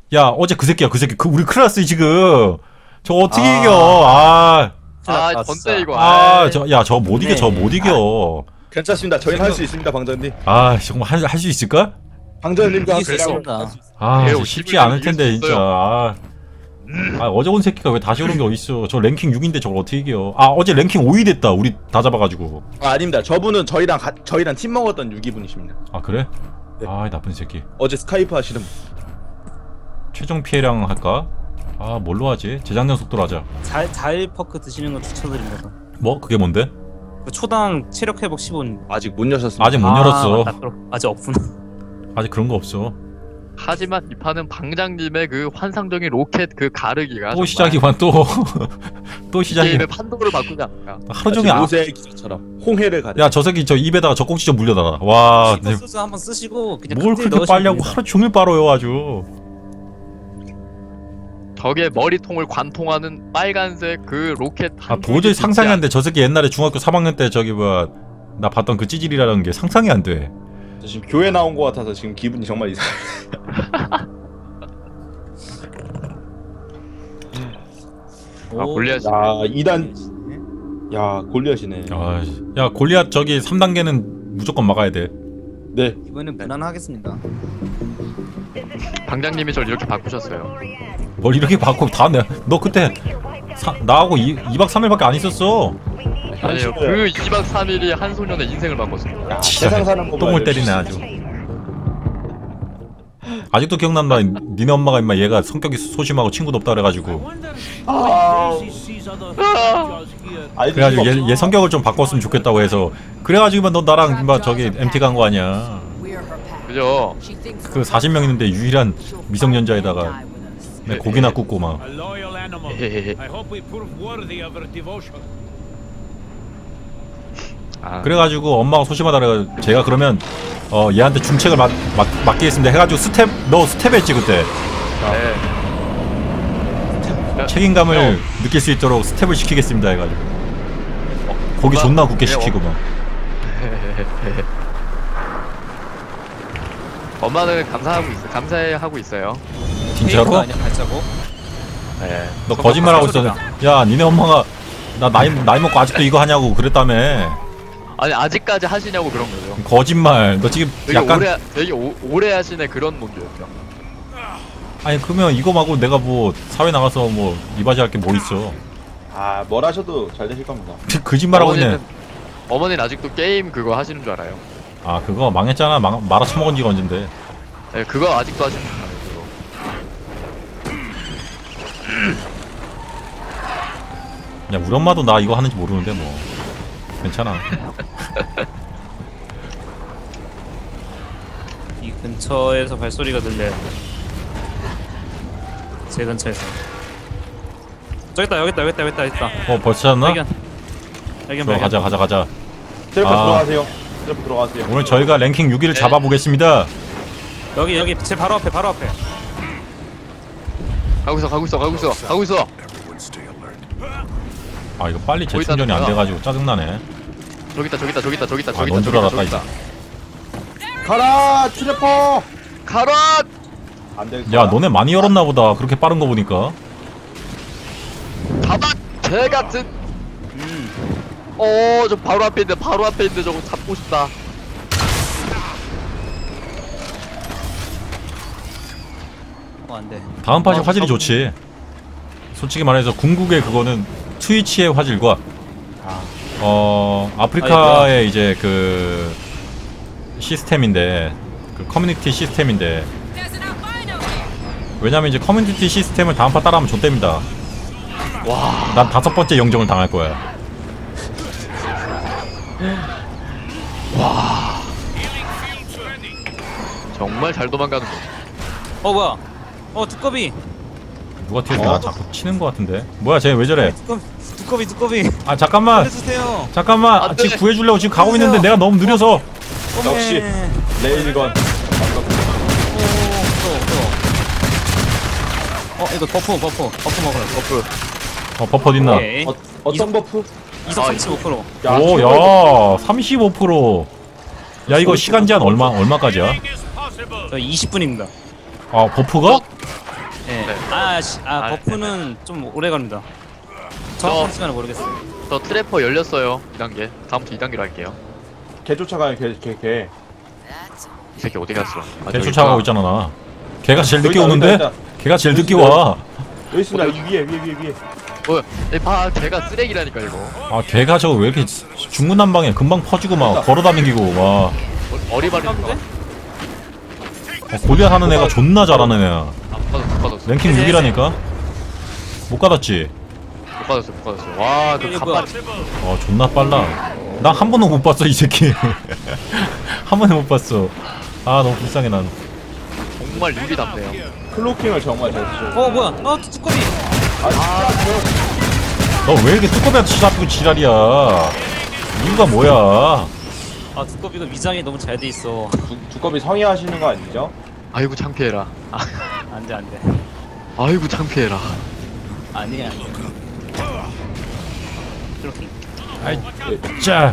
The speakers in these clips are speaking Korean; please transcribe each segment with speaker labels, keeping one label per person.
Speaker 1: 야 어제 그 새끼야 그 새끼 그 우리 클라스 지금 저 어떻게
Speaker 2: 아.
Speaker 1: 이겨
Speaker 3: 번째 이거.
Speaker 1: 저 못 이겨 저 못 이겨
Speaker 2: 괜찮습니다. 저희는 할 수 있습니다, 방전님.
Speaker 1: 정말 할 수 있을까?
Speaker 2: 방전님과
Speaker 4: 이길 수 있습니다.
Speaker 1: 쉽지 않을 텐데 진짜 어제 온 새끼가 왜 다시 오는 게 어딨어. 저 랭킹 6인데 저걸 어떻게 이겨. 어제 랭킹 5위 됐다 우리 다 잡아가지고.
Speaker 2: 아닙니다. 저분은 저희랑 팀 먹었던 유기분이십니다.
Speaker 1: 그래?
Speaker 2: 네.
Speaker 1: 나쁜 새끼.
Speaker 2: 어제 스카이프 하시는 분.
Speaker 1: 최종 피해량 할까? 뭘로 하지? 재작년 속도로 하자.
Speaker 4: 자일퍼크 드시는 거 추천드립니다.
Speaker 1: 뭐? 그게 뭔데?
Speaker 4: 그 초당 체력 회복 15분.
Speaker 2: 아직 못 여셨습니다.
Speaker 1: 아직 못 열었어.
Speaker 4: 맞다, 아직 없구나.
Speaker 1: 아직 그런 거 없어.
Speaker 3: 하지만 이 판은 방장님의 그 환상적인 로켓 그 가르기가
Speaker 1: 또 시작이구만 또 시작이.
Speaker 3: 게임의 판도를 바꾸지 않을까.
Speaker 1: 하루 종일
Speaker 2: 요새 기사처럼 홍해를 가려.
Speaker 1: 야 저 새끼 저 입에다가 젖꼭지 좀 물려달라. 와
Speaker 4: 소스 한번 쓰시고 그냥
Speaker 1: 뭘
Speaker 4: 칵테일
Speaker 1: 그렇게
Speaker 4: 넣으시면
Speaker 1: 빨리 하고
Speaker 4: 됩니다.
Speaker 1: 하루 종일 빨아요 아주.
Speaker 3: 적의 머리통을 관통하는 빨간색 그 로켓
Speaker 1: 도저히 상상이 안 돼. 저 새끼 옛날에 중학교 3학년 때 저기 나 봤던 그 찌질이라는 게 상상이 안 돼.
Speaker 2: 저 지금 교회 나온 것 같아서 지금 기분이 정말 이상해.
Speaker 3: 골리앗이.
Speaker 2: 야 2단. 야 골리앗이네.
Speaker 1: 야 골리앗 저기 3단계는 무조건 막아야 돼.
Speaker 2: 네.
Speaker 4: 이번엔 무난하겠습니다.
Speaker 3: 방장님이 저를 이렇게 바꾸셨어요.
Speaker 1: 뭘 이렇게 바꿔 너 그때 나하고 2박 3일밖에 안 있었어.
Speaker 3: 아니요, 그 2박 3일이 한 소년의 인생을 바꿨습니다.
Speaker 2: 세상 사는 거
Speaker 1: 똥을 때리네 아주. 아직도 기억난다. 니네 엄마가 임마 얘가 성격이 소심하고 친구도 없다 그래가지고. 그래가지고 얘 성격을 좀 바꿨으면 좋겠다고 해서. 그래가지고 너 나랑 임마 저기 MT 간 거 아니야.
Speaker 3: 그죠?
Speaker 1: 그 40명 있는데 유일한 미성년자에다가 고기나 굽고 막. 그래가지고 엄마가 소심하다 그래가지고 제가 그러면 얘한테 중책을 맡기겠습니다 해가지고 너 스텝 했지 그때. 책임감을 느낄 수 있도록 스텝을 시키겠습니다 해가지고 고기 존나 굽게 시키고 막.
Speaker 3: 엄마는 감사하고 있어요.
Speaker 1: 진짜로?
Speaker 4: 아니야, 발자국.
Speaker 3: 네.
Speaker 1: 너 거짓말하고 있어. 야 니네 엄마가 나 나이 먹고 아직도 이거 하냐고 그랬다며.
Speaker 3: 아니 아직까지 하시냐고 그런 거죠.
Speaker 1: 거짓말. 너 지금 약간
Speaker 3: 되게 오래 하시네 그런 논조였죠.
Speaker 1: 아니 그러면 이거 말고 내가 뭐 사회 나가서 뭐 이바지 할 게 뭐 있어.
Speaker 2: 뭘 하셔도 잘 되실 겁니다.
Speaker 1: 거짓말하고 있네.
Speaker 3: 어머니는 아직도 게임 그거 하시는 줄 알아요.
Speaker 1: 그거 망했잖아. 말아 처먹은 지가 언젠데.
Speaker 3: 네, 그거 아직도 하시는 줄 알아요.
Speaker 1: 야 우리 엄마도 나 이거 하는지 모르는데 뭐 괜찮아.
Speaker 4: 이 근처에서 발소리가 들려요. 제 근처에서. 여기 있다.
Speaker 1: 벌써 찾았나?
Speaker 4: 발견.
Speaker 1: 가자.
Speaker 2: 텔레포 들어가세요. 텔레포 들어가세요.
Speaker 1: 오늘 저희가 랭킹 6위를 잡아보겠습니다.
Speaker 4: 여기 제 바로 앞에.
Speaker 3: 가고 있어.
Speaker 1: 이거 빨리 재충전이 안 돼가지고 짜증나네.
Speaker 3: 저기 있다.
Speaker 1: 넌 줄 알았다 이제.
Speaker 2: 가라 텔레포.
Speaker 3: 가라!
Speaker 2: 안 될.
Speaker 1: 야 너네 많이 열었나 보다. 그렇게 빠른 거 보니까.
Speaker 3: 가만 개 같은. 저 바로 앞에 있는데 저거 잡고 싶다.
Speaker 4: 안 돼.
Speaker 1: 다음 팟이 화질이 좋지. 솔직히 말해서 궁극의 그거는 트위치의 화질과 아프리카의 이제 그 시스템인데 그 커뮤니티 시스템인데 왜냐면 이제 커뮤니티 시스템을 다음 파 따라하면 좆됩니다. 난 5번째 영정을 당할 거야.
Speaker 3: 정말 잘 도망가는 거.
Speaker 4: 뭐야? 두꺼비.
Speaker 1: 누가 뒤에서 나 자꾸 치는 거 같은데. 뭐야 쟤 왜 저래?
Speaker 4: 두꺼비.
Speaker 1: 잠깐만.
Speaker 4: 해주세요.
Speaker 1: 잠깐만. 지금 구해주려고 지금 가고 있는데 내가 너무 느려서.
Speaker 2: 역시 레일건.
Speaker 4: 이거 버프 먹어요.
Speaker 1: 버퍼 어딨나?
Speaker 4: 오케이.
Speaker 2: 어떤 버프?
Speaker 4: 이속 35%.
Speaker 1: 오, 야, 35%. 야, 이거 시간 제한 얼마까지야?
Speaker 4: 저 20분입니다.
Speaker 1: 버프가?
Speaker 4: 예.
Speaker 3: 네.
Speaker 4: 아 버프는 좀 오래 갑니다. 정확한 시간을 모르겠어요.
Speaker 3: 저 트래퍼 열렸어요. 2단계. 다음부터 2단계로 할게요.
Speaker 2: 개 쫓아가요 개.
Speaker 3: 이 새끼 어디 갔어? 아,
Speaker 1: 개
Speaker 3: 저기
Speaker 1: 쫓아가고
Speaker 3: 있구나.
Speaker 1: 있잖아 나. 걔가 제일 늦게
Speaker 2: 여기다,
Speaker 1: 오는데?
Speaker 2: 여기다,
Speaker 1: 걔가 제일 늦게
Speaker 2: 여기다.
Speaker 1: 와.
Speaker 2: 여기 있습니다. 위에.
Speaker 3: 뭐야? 봐, 걔가 쓰레기라니까 이거.
Speaker 1: 아 걔가 저거 왜 이렇게 중구난방에 금방 퍼지고 막 걸어다니고 와.
Speaker 3: 어리바리인가?
Speaker 1: 골리앗 하는 애가 존나 잘하는 애야.
Speaker 3: 못 받았어.
Speaker 1: 랭킹 6이라니까? 못 받았지?
Speaker 3: 못 받았어. 와, 그
Speaker 4: 이게
Speaker 3: 간발.
Speaker 1: 존나 빨라. 나 한 번도 못 봤어 이 새끼. 한 번도 못 봤어. 아 너무 불쌍해 난.
Speaker 3: 정말 유리답네요.
Speaker 2: 클로킹을 정말 잘 쓰죠.
Speaker 4: 뭐야? 두꺼비.
Speaker 1: 너 왜 이렇게 뚜꺼비한테 잡고 지랄이야? 이유가 뭐야?
Speaker 4: 아 두꺼비가 위장이 너무 잘 돼 있어.
Speaker 2: 두꺼비 성의하시는 거 아니죠?
Speaker 3: 아이고 창피해라.
Speaker 4: 안돼.
Speaker 3: 아이고 창피해라.
Speaker 4: 아니야. 이렇게.
Speaker 1: 아이 자.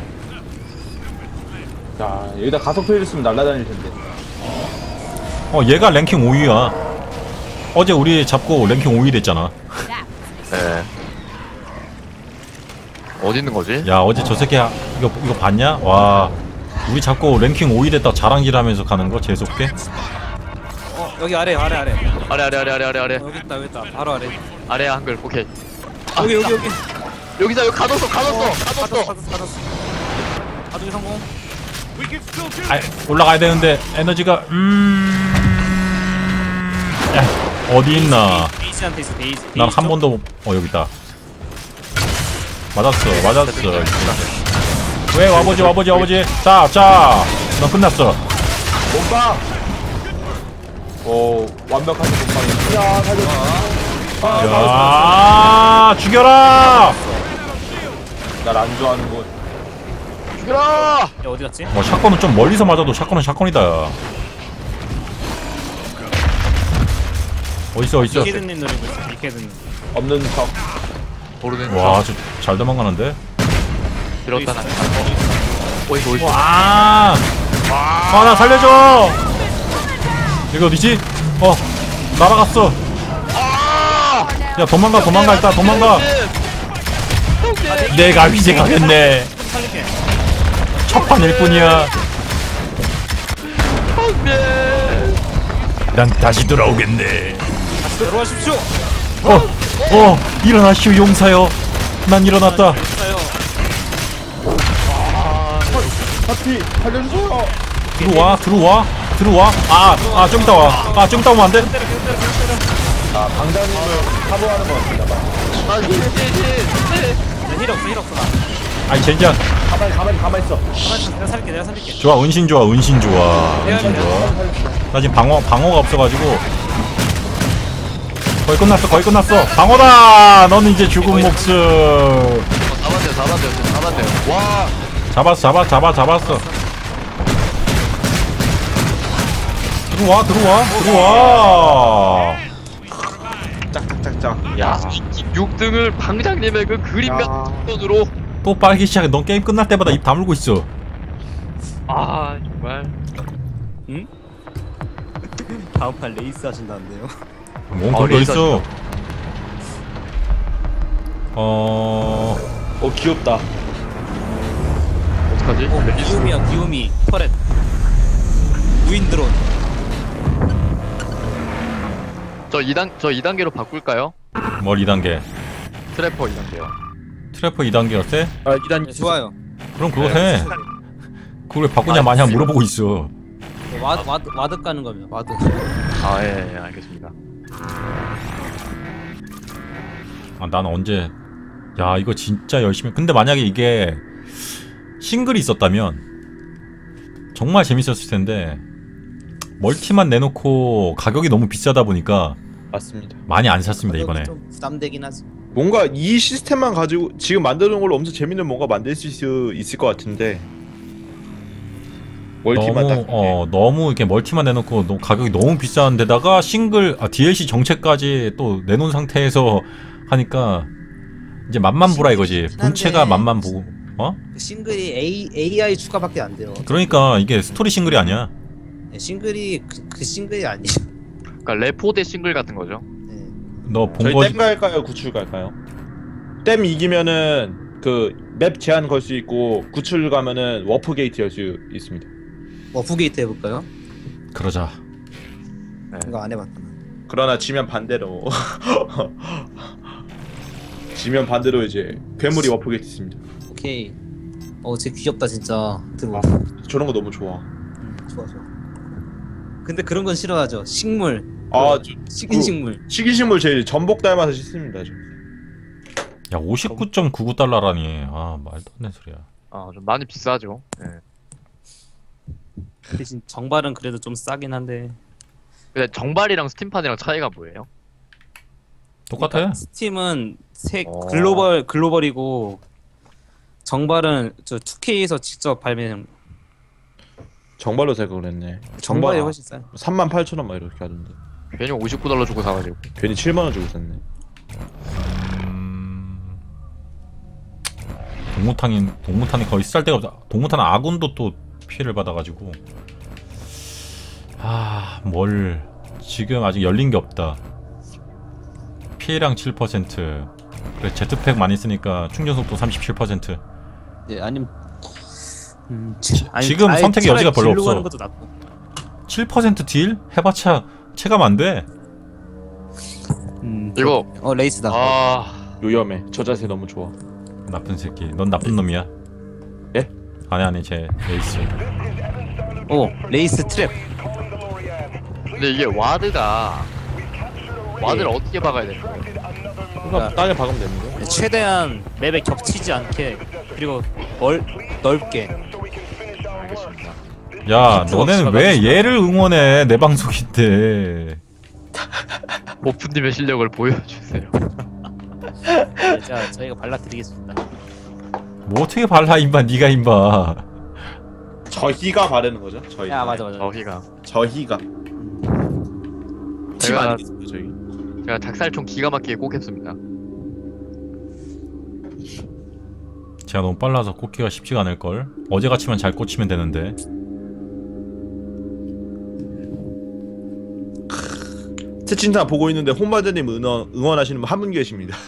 Speaker 2: 자 여기다 가속 페이를 쓰면 날아다닐 텐데.
Speaker 1: 얘가 랭킹 5위야. 어제 우리 잡고 랭킹 5위 됐잖아.
Speaker 3: 네. 어디 있는 거지?
Speaker 1: 야 어제 저 새끼 이거 봤냐? 와 우리 잡고 랭킹 5위 됐다 자랑질하면서 가는 거 재수없게?
Speaker 4: 여기 아래.
Speaker 3: 아래.
Speaker 4: 여기 있다. 바로 아래.
Speaker 3: 아래야 한글. 오케이.
Speaker 4: 여기.
Speaker 3: 여기다 여기 가뒀어.
Speaker 4: 가뒀어. 가두기 성공.
Speaker 1: 아 올라가야 되는데 에너지가 야, 어디 있나?
Speaker 4: 데이지한테 있어. 데이지.
Speaker 1: 난 한 번도 여기 있다. 맞았어. 왜 와보지. 자, 너 끝났어.
Speaker 2: 몸빵. 완벽한 몸빵이. 야 살려.
Speaker 1: 야 죽여라.
Speaker 2: 날 안 좋아하는 곳.
Speaker 3: 죽여라.
Speaker 4: 야 어디 갔지?
Speaker 1: 샷건은 좀 멀리서 맞아도 샷건은 샷건이다. 어딨어?
Speaker 4: 이케드님 노리고 있어. 이케드님.
Speaker 2: 없는 척.
Speaker 3: 모르는
Speaker 1: 와, 저 잘 도망가는데?
Speaker 3: 들었다 나. 어이구.
Speaker 1: 와, 나 살려줘. 여기 어디지? 날아갔어. 야, 도망가 일단 도망가. 내가 위생하겠네.
Speaker 4: 살릴게.
Speaker 1: 첫판일 뿐이야. 난 다시 돌아오겠네.
Speaker 4: 들어가십시오.
Speaker 1: 일어나시오 용사여. 난 일어났다.
Speaker 2: 파티 살려주세요.
Speaker 1: 들어와. 좀 이따 와. 좀 이따 오면 안 돼?
Speaker 2: 자 방장님을 사보하는 것 같습니다.
Speaker 4: 힐 없어 나.
Speaker 1: 아이 젠장.
Speaker 2: 가만히 있어.
Speaker 4: 내가 살릴게.
Speaker 1: 좋아, 은신 좋아. 나 지금 방어가 없어가지고. 거의 끝났어. 방어다! 너는 이제 죽은 목숨.
Speaker 3: 잡았네요. 와.
Speaker 1: 잡았어. 들어와.
Speaker 2: 짝짝짝짝.
Speaker 3: 야. 6등을 방장님의 그 그림 같은 손으로.
Speaker 1: 또 빨기 시작해. 넌 게임 끝날 때마다 입 다물고 있어.
Speaker 3: 아 정말.
Speaker 4: 응? 다음 판 레이스 하신다는데요?
Speaker 1: 뭔 그런 거
Speaker 3: 레이스
Speaker 1: 있어.
Speaker 2: 귀엽다.
Speaker 3: 어떡하지?
Speaker 4: 기우미 터렛 무인 드론.
Speaker 3: 저 2단계로 바꿀까요?
Speaker 1: 뭘 2단계?
Speaker 3: 트래퍼 2단계요.
Speaker 1: 트래퍼 2단계였대?
Speaker 2: 2단
Speaker 4: 좋아요.
Speaker 1: 그럼 그거 해. 그걸 왜 바꾸냐 마냥 물어보고 있어.
Speaker 4: 와드 까는 겁니다. 와드.
Speaker 3: 예, 알겠습니다.
Speaker 1: 난 언제 이거 진짜 열심히. 근데 만약에 이게 싱글이 있었다면 정말 재밌었을 텐데 멀티만 내놓고 가격이 너무 비싸다 보니까
Speaker 2: 맞습니다.
Speaker 1: 많이 안 샀습니다 이번에.
Speaker 4: 좀 부담되긴 하지.
Speaker 2: 뭔가 이 시스템만 가지고 지금 만드는 걸로 엄청 재밌는 뭔가 만들 수 있을 것 같은데 멀티만
Speaker 1: 너무 이렇게 멀티만 내놓고 가격이 너무 비싼 데다가 DLC 정체까지 또 내놓은 상태에서 하니까 이제 맛만 보라 이거지. 본체가 맛만 보고.
Speaker 5: 그 싱글이 AI 추가밖에 안 돼요.
Speaker 1: 그러니까 이게 스토리 싱글이 아니야.
Speaker 5: 네, 싱글이 그 싱글이 아니에요.
Speaker 3: 그러니까 레포대 싱글 같은 거죠.
Speaker 5: 네.
Speaker 1: 너 본
Speaker 2: 저희
Speaker 1: 거
Speaker 2: 댐 갈까요? 구출 갈까요? 댐 이기면은 그 맵 제한 걸 수 있고 구출 가면은 워프 게이트 열 수 있습니다.
Speaker 5: 워프게이트 해볼까요?
Speaker 1: 그러자.
Speaker 5: 이거 안 해봤다.
Speaker 2: 그러나 지면 반대로 지면 반대로 이제 괴물이 워프 게이트 있습니다.
Speaker 5: 오케이. 쟤 귀엽다 진짜. 들어.
Speaker 2: 저런 거 너무 좋아.
Speaker 5: 좋아 좋아. 근데 그런 건 싫어하죠. 식물.
Speaker 2: 아,
Speaker 5: 식인 식물.
Speaker 2: 식이식물 제일 전복 닮아서 싫습니다. 저.
Speaker 1: 야 59.99달러라니. 아 말도 안 되는 소리야.
Speaker 3: 좀 많이 비싸죠. 예.
Speaker 4: 대신 정발은 그래도 좀 싸긴 한데.
Speaker 3: 근데 정발이랑 스팀판이랑 차이가 뭐예요?
Speaker 1: 똑같아.
Speaker 4: 그러니까 스팀은
Speaker 2: 어.
Speaker 4: 글로벌이고 정발은 저 2K에서 직접 발매한
Speaker 2: 정발로 생각을 했네.
Speaker 4: 정발이 훨씬 싸요.
Speaker 2: 38,000원 막 이렇게 하던데.
Speaker 3: 괜히 59달러 주고 사가지고.
Speaker 2: 괜히 7만 원 주고 샀네.
Speaker 1: 동무탄이 거의 쌀 데가 없다. 동무탄 아군도 또 피해를 받아가지고 뭘 지금 아직 열린 게 없다. 피해량 7%. 그래 제트팩 많이 쓰니까 충전 속도 37%.
Speaker 4: 예, 아니면
Speaker 1: 지금
Speaker 4: 아예
Speaker 1: 선택의
Speaker 4: 차라리
Speaker 1: 여지가 별로
Speaker 4: 딜로
Speaker 1: 없어.
Speaker 4: 가는 것도 낫고.
Speaker 1: 7% 딜? 해봤자 체감 안 돼.
Speaker 3: 이거
Speaker 5: 레이스다.
Speaker 2: 요염해. 저 자세 너무 좋아.
Speaker 1: 나쁜 새끼. 넌 나쁜 놈이야.
Speaker 2: 예?
Speaker 1: 아니 쟤 에이스.
Speaker 5: 레이스 트랩.
Speaker 3: 근데 이게 와드를 어떻게 박아야 돼?
Speaker 2: 그러니까 땅에 박으면 되는데.
Speaker 4: 최대한 맵에 겹치지 않게 그리고 넓게.
Speaker 3: 알겠습니다.
Speaker 1: 야 너네는 왜 얘를 응원해? 내 방송인데.
Speaker 3: 모프님의 실력을 보여주세요.
Speaker 4: 네, 자 저희가 발라드리겠습니다.
Speaker 1: 뭐 어떻게 발라 임마 니가 임마.
Speaker 2: 저희가 바르는 거죠? 저희.
Speaker 4: 야 맞아.
Speaker 3: 저희가
Speaker 2: 저희가. 팀
Speaker 3: 제가-
Speaker 2: 아니겠습니까 저희?
Speaker 3: 제가 닭살총 기가 막히게 꽂겠습니다.
Speaker 1: 제가 너무 빨라서 꽂기가 쉽지가 않을걸. 어제같이만 잘 꽂히면 되는데.
Speaker 2: 채팅창 보고 있는데 홈바드님 응원하시는 분 한 분 계십니다.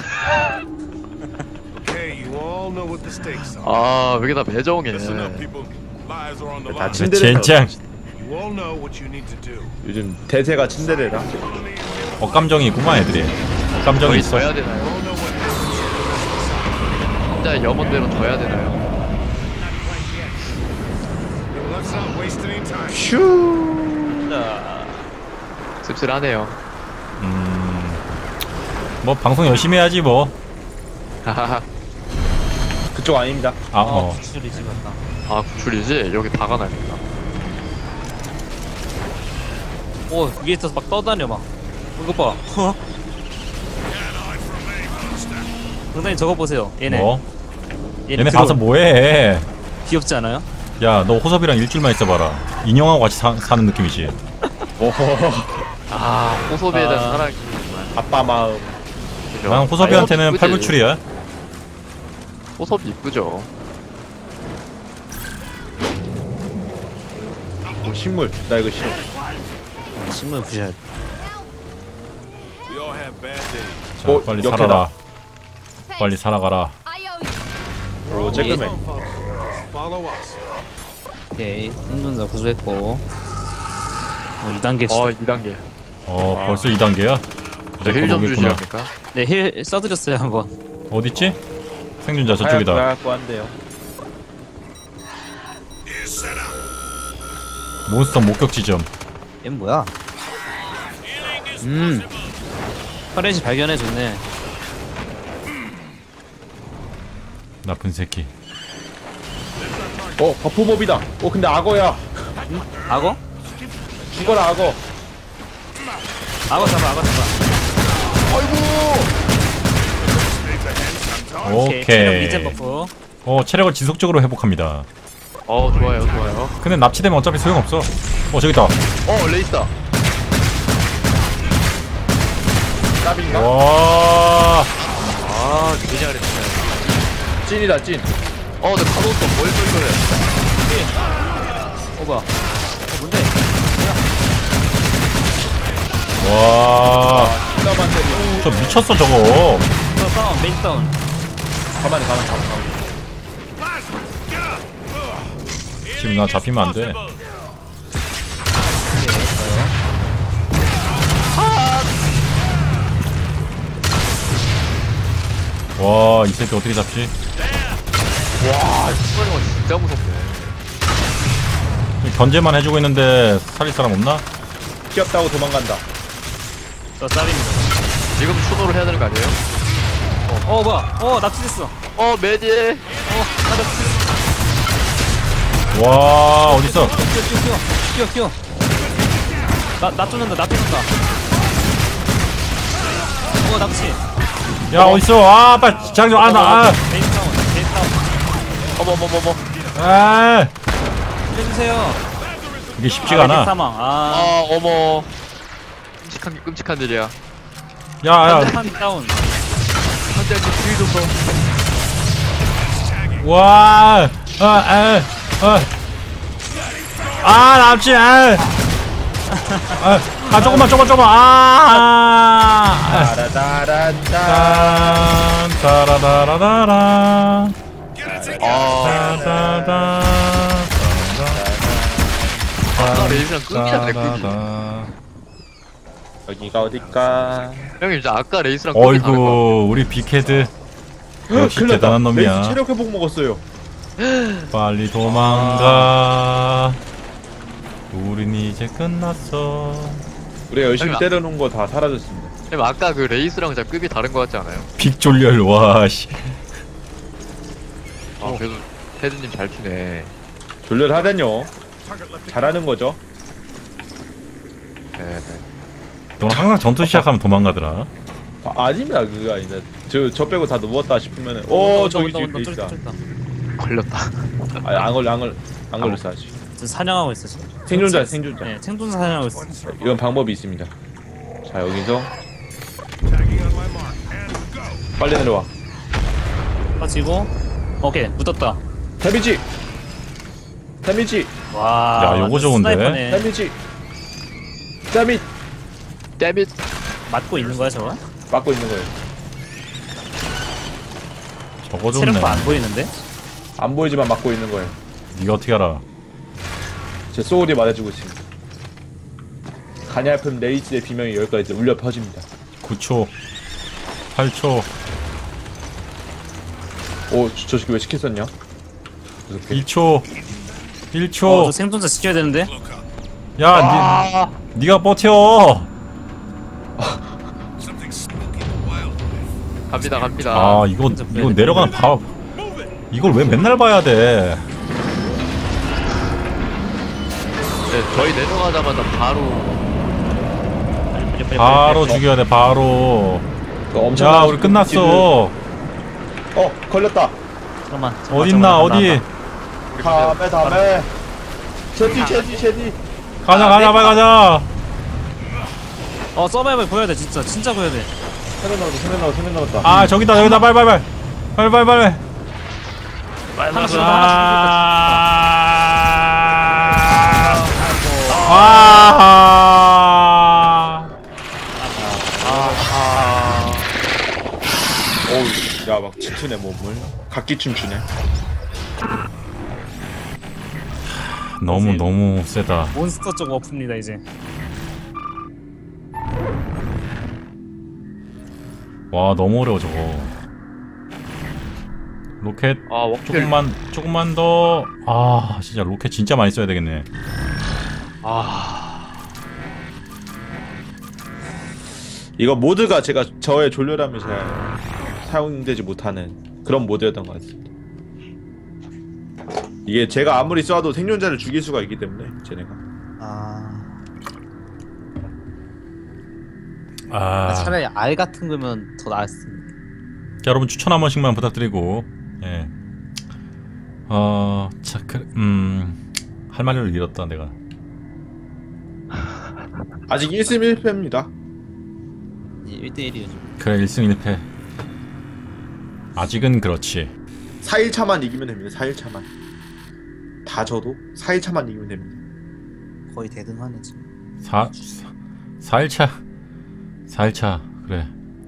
Speaker 6: Okay, you all know what the stakes are.
Speaker 3: 왜 이게 다 매정해.
Speaker 6: Listen up, people. Lives are on the
Speaker 2: 다
Speaker 6: line.
Speaker 2: 친데레라.
Speaker 1: 젠장.
Speaker 6: You all know what you need to do.
Speaker 2: 요즘 대세가 친데레라.
Speaker 1: 억감정이 있구만 애들이. 억감정이
Speaker 3: 저희
Speaker 1: 있어.
Speaker 3: 져야 되나요? 진짜 염원대로 져야 되나요?
Speaker 6: Let's not waste any time.
Speaker 2: 슈.
Speaker 3: 씁쓸하네요.
Speaker 1: 뭐 방송 열심히 해야지 뭐.
Speaker 3: 하하하.
Speaker 2: 그쪽 아닙니다.
Speaker 4: 구출이지 맞다.
Speaker 3: 구출이지? 여기 박아놔야겠다.
Speaker 4: 위에 있어서 막 떠다녀 막. 이거 봐. 상당히 저거 보세요. 얘네.
Speaker 1: 뭐? 얘네
Speaker 4: 들어올-
Speaker 1: 가서 뭐해?
Speaker 4: 귀엽지 않아요?
Speaker 1: 야 너 호섭이랑 일주일만 있어봐라. 인형하고 같이 사는 느낌이지.
Speaker 3: 호소비에 대한 사랑이
Speaker 2: 아빠 마음.
Speaker 3: 그죠?
Speaker 1: 난 호섭이한테는
Speaker 3: 이쁘지.
Speaker 1: 팔불출이야.
Speaker 3: 호섭이 이쁘죠.
Speaker 2: 식물. 나 이거 싫어.
Speaker 4: 신문 부셔야 돼.
Speaker 6: We all have bad days.
Speaker 1: 자 빨리
Speaker 2: 역해다.
Speaker 1: 살아라. 빨리 살아가라.
Speaker 2: 오, 쬐끔해.
Speaker 6: Follow us.
Speaker 4: 오케이. 생존자 구조했고. 2단계
Speaker 3: 2단계.
Speaker 1: 벌써 2단계야?
Speaker 3: 힐좀 주시합니까?
Speaker 4: 네, 힐 써드렸어요 한번.
Speaker 1: 어딨지? 생존자 저쪽이다.
Speaker 2: 하얗고 한데요.
Speaker 1: 몬스터 목격 지점.
Speaker 5: 얘는 뭐야?
Speaker 4: 터렛이 발견해줬네.
Speaker 1: 나쁜 새끼.
Speaker 2: 버프몹이다. 근데 악어야.
Speaker 4: 악어?
Speaker 2: 죽어라 악어.
Speaker 4: 악어 잡아. 체력
Speaker 1: 오케이.
Speaker 4: 리젠 버프.
Speaker 1: 체력을 지속적으로 회복합니다.
Speaker 3: 좋아요.
Speaker 1: 근데 납치되면 어차피 소용없어. 저기 있다.
Speaker 3: 레이스다.
Speaker 2: 짭인가?
Speaker 1: 와.
Speaker 3: 되게 잘했네.
Speaker 2: 찐이다 찐.
Speaker 3: 근데 카도스 뭘 쏠쏠해.
Speaker 4: 뭐야? 뭔데?
Speaker 1: 와.
Speaker 2: 힐러만 때리고.
Speaker 1: 저 미쳤어 저거.
Speaker 4: 저 다운 메인 다운.
Speaker 2: 가만히.
Speaker 1: 지금 나 잡히면 안 돼. 와, 이 새끼 어떻게 잡지?
Speaker 3: 와 이거는 건 진짜 무섭네.
Speaker 1: 견제만 해주고 있는데 살릴 사람 없나?
Speaker 2: 귀엽다고 도망간다.
Speaker 4: 저 쌀입니다.
Speaker 3: 지금 추노를 해야 되는 거 아니에요?
Speaker 4: 뭐야? 납치됐어.
Speaker 3: 매디에.
Speaker 4: 나 납치됐어.
Speaker 1: 와, 어딨어?
Speaker 4: 뛰어. 나 쫓는다. 납치.
Speaker 1: 야, 어딨어? 아, 빨리 장좀 나.
Speaker 4: 메인 다운.
Speaker 3: 어머머머머.
Speaker 1: 아,
Speaker 4: 해주세요.
Speaker 1: 이게 쉽지가 않아.
Speaker 4: 사망.
Speaker 3: 어머. 끔찍한 일이야.
Speaker 1: 야,
Speaker 4: 한 다운.
Speaker 3: 한대한테 뒤좀 더.
Speaker 1: 와, 남지, 조금만,
Speaker 2: 따라다란다.
Speaker 1: 따라다라다라.
Speaker 3: 아까 레이스랑 급이야 급이.
Speaker 2: 여기가 어딜까?
Speaker 3: 형님 진짜 아까 레이스랑 급이 다른 거.
Speaker 1: 어이구, 우리 빅헤드 역시
Speaker 2: 큰일 났다.
Speaker 1: 대단한 놈이야.
Speaker 2: 레이스 체력 회복 먹었어요.
Speaker 1: 빨리 도망가. 우린 이제 끝났어.
Speaker 2: 우리가 열심히
Speaker 3: 설마.
Speaker 2: 때려놓은 거 다 사라졌습니다.
Speaker 3: 형님 아까 그 레이스랑 진짜 급이 다른 거 같지 않아요?
Speaker 1: 빅졸렬, 와씨.
Speaker 3: 그래도 헤드님 잘 피네.
Speaker 2: 졸렬하다뇨. 잘하는 거죠.
Speaker 3: 네.
Speaker 1: 넌 항상 전투 시작하면 도망가더라.
Speaker 2: 아닙니다. 그거 아니다. 저 빼고 다 누웠다 싶으면은 저기 뒤에 있다.
Speaker 3: 걸렸다.
Speaker 2: 안 걸렸어 아직.
Speaker 4: 저 사냥하고 있어 지금.
Speaker 2: 생존자.
Speaker 4: 네, 생존자 사냥하고 있어.
Speaker 2: 이건 방법이 있습니다. 자 여기서 빨리 내려와.
Speaker 4: 빠지고. 오케이 묻었다.
Speaker 2: 데미지.
Speaker 4: 와.
Speaker 1: 야, 요거 좋은데?
Speaker 4: 스나이퍼네.
Speaker 2: 데미지. 데미
Speaker 3: 데밋.
Speaker 4: 맞고 있는 거야 저거?
Speaker 2: 막고 있는 거예요.
Speaker 1: 저거 좋네.
Speaker 4: 체력도 안 보이는데?
Speaker 2: 안 보이지만 막고 있는 거예요.
Speaker 1: 니가 어떻게 알아?
Speaker 2: 제 소울이 말해주고 있습니다. 가냘픈 레이스의 비명이 여기까지 울려 퍼집니다.
Speaker 1: 9초, 8초,
Speaker 2: 저 새끼 왜 시켰었냐?
Speaker 1: 2초, 1초.
Speaker 4: 저 생존자 지켜야 되는데?
Speaker 1: 야, 니가 버텨.
Speaker 3: 갑니다.
Speaker 1: 아, 이거 내려가는 밥. 이걸 왜 맨날 봐야 돼?
Speaker 3: 네, 저희 내려가자마자
Speaker 1: 바로 죽여야 돼, 바로. 야, 우리 끝났어.
Speaker 2: 걸렸다.
Speaker 4: 잠깐만.
Speaker 1: 어딨나, 어디?
Speaker 2: 다음에 제디
Speaker 1: 가자, 빨리 가자.
Speaker 4: 서바이벌 보여야 돼 진짜 보여야 돼.
Speaker 2: 세명 남았다.
Speaker 1: 아, 저기다, 여기다, 빨리.
Speaker 4: 하나씩
Speaker 2: 어우, 야, 막 춤추네 몸을. 각기 춤추네.
Speaker 1: 너무 세다.
Speaker 4: 몬스터 쪽 워프입니다 이제.
Speaker 1: 와, 너무 어려워 저거. 로켓
Speaker 3: 워플.
Speaker 1: 조금만 더. 아, 진짜 로켓 진짜 많이 써야 되겠네.
Speaker 2: 이거 모드가 저의 졸렬함이 잘 사용되지 못하는 그런 모드였던 것 같습니다. 이게 제가 아무리 쏴도 생존자를 죽일 수가 있기 때문에 쟤네가.
Speaker 5: 차라리 알 같은 거면 더 나았습니다.
Speaker 1: 자, 여러분 추천 한 번씩만 부탁드리고. 예. 할 말을 잃었다 내가.
Speaker 2: 아직 1승 1패입니다.
Speaker 5: 1대1이요 지금.
Speaker 1: 그래, 1승 1패. 아직은 그렇지.
Speaker 2: 4일차만 이기면 됩니다. 4일차만. 다 져도 4일차만 이기면 됩니다.
Speaker 5: 거의 대등하네 지금.
Speaker 1: 4일차 4일차 그래.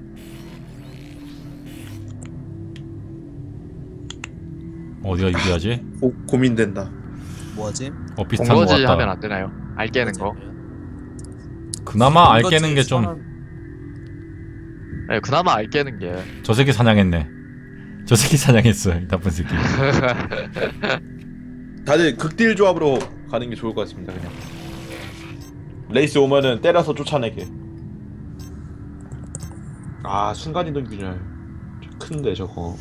Speaker 1: 어디가 유리하지?
Speaker 2: 고민된다.
Speaker 5: 뭐지?
Speaker 1: 비슷한 거
Speaker 3: 본거지
Speaker 1: 같다.
Speaker 3: 하면 안 되나요? 알 깨는 거.
Speaker 1: 그나마 알 깨는 게 좀
Speaker 3: 네, 그나마 알 깨는 게.
Speaker 1: 저 새끼 사냥했네. 저 새끼 사냥했어 이 나쁜 새끼.
Speaker 2: 다들 극딜 조합으로 가는 게 좋을 것 같습니다. 그냥 레이스 오면은 때려서 쫓아내게. 아 순간이동 균열 큰데 저거.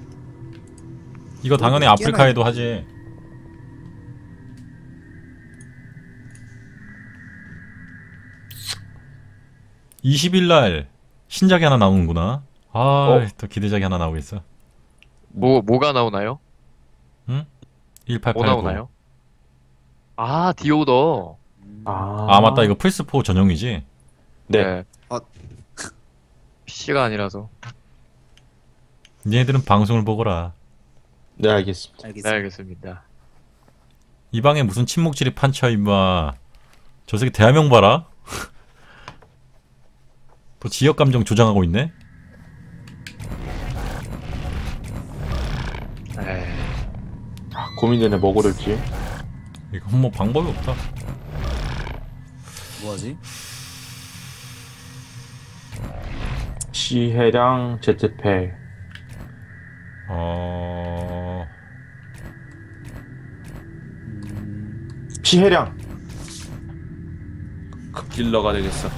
Speaker 1: 이거 당연히 아프리카에도 하지. (20일) 날 신작이 하나 나오는구나. 또 기대작이 하나 나오겠어.
Speaker 3: 뭐가 나오나요?
Speaker 1: 응?
Speaker 3: 뭐
Speaker 1: 1889.
Speaker 3: 나오나요? 아, 디오더.
Speaker 1: 아 맞다, 이거 플스4 전용이지.
Speaker 2: 네.
Speaker 3: PC가 아니라서.
Speaker 1: 얘네들은 방송을 보거라.
Speaker 2: 네 알겠습니다.
Speaker 3: 네,
Speaker 5: 알겠습니다.
Speaker 3: 알겠습니다.
Speaker 1: 이 방에 무슨 침묵질이 판쳐 임마. 저 새끼 대화명 봐라. 또 지역감정 조장하고 있네.
Speaker 3: 에이,
Speaker 2: 고민되네 뭐 고를지.
Speaker 1: 이건 뭐 방법이 없다.
Speaker 5: 뭐지?
Speaker 2: 시해량 제트팩. 시해량. 극딜러가 되겠어.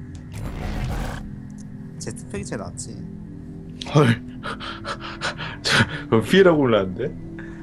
Speaker 5: 제트팩이 제일 낫지.
Speaker 2: 헐. 그럼 피해라고 올랐는데?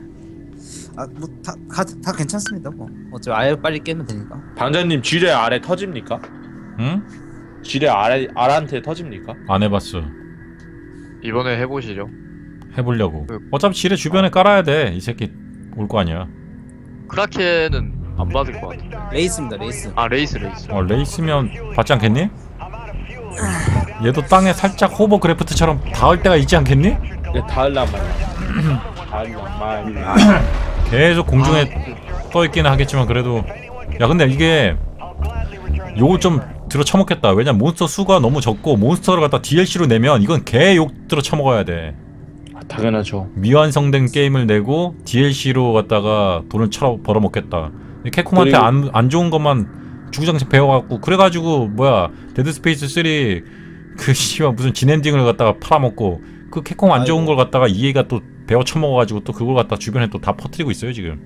Speaker 5: 다 괜찮습니다. 뭐 어차피 아예 빨리 깨면 되니까.
Speaker 2: 방장님 지뢰 아래 터집니까?
Speaker 1: 응?
Speaker 2: 지뢰 아래한테 터집니까?
Speaker 1: 안 해봤어.
Speaker 3: 이번에 해보시죠.
Speaker 1: 해보려고. 어차피 지뢰 주변에 깔아야 돼. 이 새끼 올 거 아니야.
Speaker 3: 크라켄은 안 받을 것 같은데.
Speaker 5: 레이스입니다. 레이스.
Speaker 3: 아, 레이스.
Speaker 1: 레이스면 받지 않겠니? 얘도 땅에 살짝 호버 그래프트처럼 닿을 때가 있지 않겠니?
Speaker 2: 네, 닿을란 말이야. 닿을란 말이야.
Speaker 1: 계속 공중에 떠있기는 하겠지만 그래도. 야 근데 이게 요거 좀 들어 처먹겠다. 왜냐면 몬스터 수가 너무 적고 몬스터를 갖다 DLC로 내면 이건 개 욕 들어 처먹어야 돼.
Speaker 2: 당연하죠.
Speaker 1: 미완성된 게임을 내고 DLC로 갖다가 돈을 벌어먹겠다. 캡콤한테 안 좋은 것만 주구장창 배워갖고 그래가지고 뭐야 데드스페이스 3 그 씨발 무슨 진엔딩을 갖다가 팔아먹고 그 캡콤 안 좋은 걸 갖다가 EA가 또 배워 처먹어가지고 또 그걸 갖다 주변에 또 다 퍼뜨리고 있어요 지금.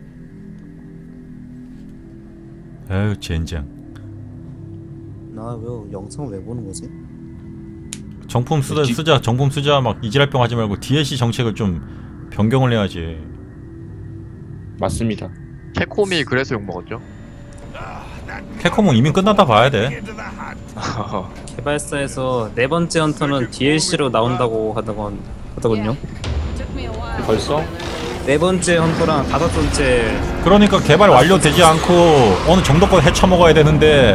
Speaker 1: 아유 젠장.
Speaker 5: 나 왜 영상을 왜 보는 거지?
Speaker 1: 정품 쓰자 정품 쓰자 막 이지랄병 하지 말고 DLC 정책을 좀 변경을 해야지.
Speaker 2: 맞습니다.
Speaker 3: 캡콤이 그래서 욕먹었죠.
Speaker 1: 캡콤은 이미 끝났다 봐야 돼.
Speaker 4: 개발사에서 네 번째 헌터는 DLC로 나온다고 하더군요.
Speaker 2: 벌써?
Speaker 4: 네 번째 헌터랑 다섯 번째
Speaker 1: 그러니까 개발 완료되지 않고 어느 정도껏 헤쳐먹어야 되는데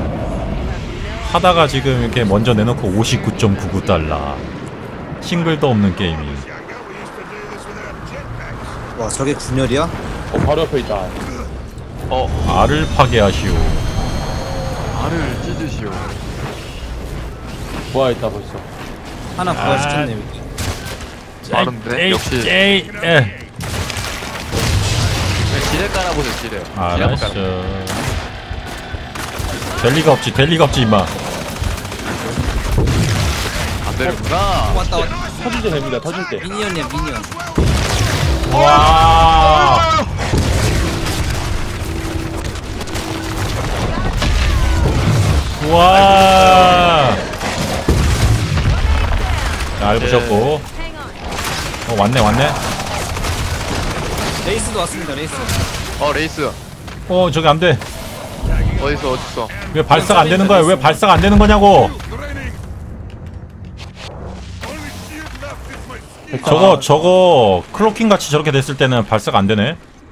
Speaker 1: 하다가 지금 이렇게 먼저 내놓고 59.99달러 싱글도 없는 게임이.
Speaker 5: 와 저게 균열이야?
Speaker 2: 바로 옆에 있다.
Speaker 1: 알을 파괴하시오.
Speaker 3: 알을 찢으시오.
Speaker 2: 부활했다 벌써.
Speaker 4: 하나 부활시켰네 여기.
Speaker 3: 빠른데? 역시 지뢰 깔아보세요. 지뢰.
Speaker 1: 알았어. 될 리가 없지 임마.
Speaker 3: 안 되는구나.
Speaker 5: 왔다.
Speaker 2: 터질 때 됩니다. 터질 때.
Speaker 5: 미니언이야 미니언.
Speaker 1: 와. 와. 알 부셨고. 왔네.
Speaker 4: 레이스도 왔습니다. 레이스.
Speaker 3: 레이스.
Speaker 1: 저기 안 돼.
Speaker 3: 어딨어.
Speaker 1: 왜 발사가 안 되는 거야? 왜 발사가 안 되는 거냐고? 저거 클로킹 같이 저렇게 됐을 때는 발사가 안 되네.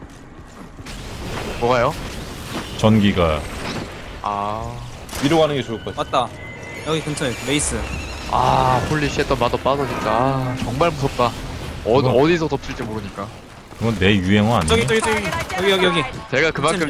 Speaker 3: 뭐가요?
Speaker 1: 전기가.
Speaker 2: 위로 가는 게 좋을 것 같아.
Speaker 4: 왔다. 여기 근처에 레이스.
Speaker 3: 홀리 쉣, 마더 빠져 진짜. 정말 무섭다. 어디서 덮칠지 모르니까.
Speaker 1: 그건 내 유행어 아니야?
Speaker 4: 저기 여기.
Speaker 3: 제가 그만큼